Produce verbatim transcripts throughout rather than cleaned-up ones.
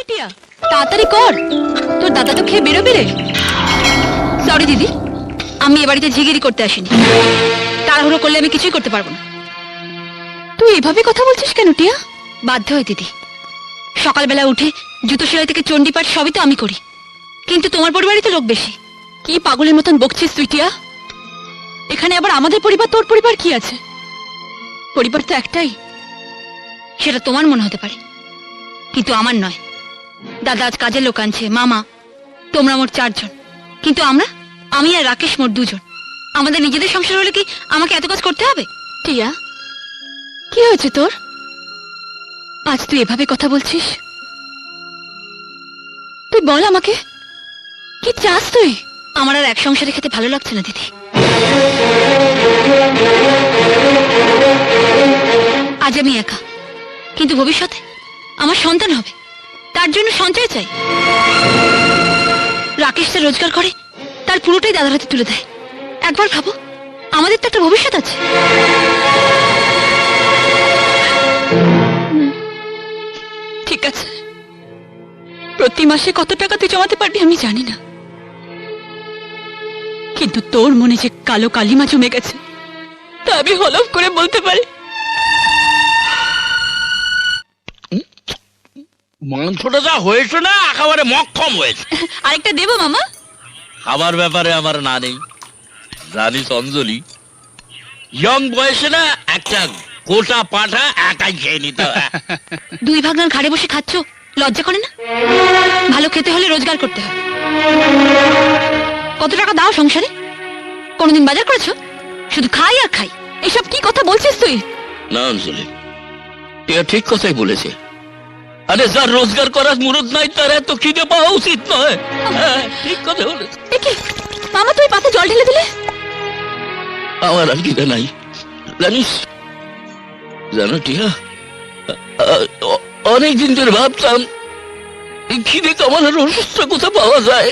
টিয়া তাড়াতাড়ি কর, তোর দাদা তো খেয়ে বেরোবে রে। সরি দিদি, আমি এ বাড়িতে ঝিগিরি করতে আসিনি। তাড়াহুড়ো করলে আমি কিছুই করতে পারবো না। তুই এভাবে কথা বলছিস কেন টিয়া? বাধ্য হয় দিদি, সকালবেলা উঠে জুতো সেলাই থেকে চণ্ডীপাঠ সবই তো আমি করি, কিন্তু তোমার পরিবারই তো লোক বেশি। কি পাগলের মতন বকছিস তুই টিয়া? এখানে আবার আমাদের পরিবার তোর পরিবার কি আছে? পরিবার তো একটাই, সেটা তোমার মনে হতে পারে কিন্তু আমার নয়। দাদা আজ কাজের লোক আনছে, মামা, তোমরা মোট চারজন, কিন্তু আমরা, আমি আর রাকেশ মোট দুজন। আমাদের নিজেদের সংসার হলে কি আমাকে এত কাজ করতে হবে? টিয়া, কি হয়েছে তোর? আজ তুই এভাবে কথা বলছিস? তুই বল আমাকে, কি চাস তুই? আমার আর এক সংসারে খেতে ভালো লাগছে না দিদি। আজ আমি একা, কিন্তু ভবিষ্যতে আমার সন্তান হবে, তার জন্য সঞ্চয় চাই। রাকেশ যা রোজগার করে তার পুরোটাই দাদার হাতে তুলে দেয়। একবার ভাবো, আমাদের তো একটা ভবিষ্যৎ আছে। ঠিক আছে, প্রতি মাসে কত টাকা তুই জমাতে পারবি আমি জানি না, কিন্তু তোর মনে যে কালো কালিমা জমে গেছে তা আমি হলফ করে বলতে পারি। মাংসটা যা হয়েছে না একেবারে মক্ষম হয়েছে। আরেকটা দেবো মামা? খাবার ব্যাপারে আমার না নেই, জানিস অঞ্জলি, ইয়ং বয়সে না একটা গোটা পাঠা একাই খেয়ে নিত। দুই ভাগনার ঘাড়ে বসে খাচ্ছ, লজ্জা করে না? ভালো খেতে হলে রোজগার করতে হয়। কত টাকা দাও সংসারে? কোনদিন বাজার করেছো? শুধু খাই আর খাই। এসব কি কথা বলছিস তুই? না অঞ্জলি, টিয়া ঠিক কথাই বলেছে। আরে যার রোজগার করার মুরত নাই তার এত খিদে পাওয়া উচিত নয়। হ্যাঁ, ঠিক কথা বলেছে। একে মামা, তুই পাতে জল ঢেলে দিলে? আমার আর খিদে নাই জানিস, জানো টিয়া, অনেকদিন ধরে ভাবতাম এই খিদে কমানোর ওষুধটা কোথায় পাওয়া যায়।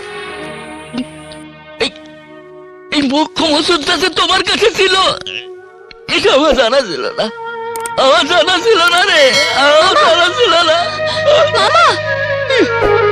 এই মোক্ষম ওষুধটা যে তোমার কাছে ছিল এটা আমার জানা ছিল না, আমার জানা ছিল না রে, আমার জানা ছিল না। মামা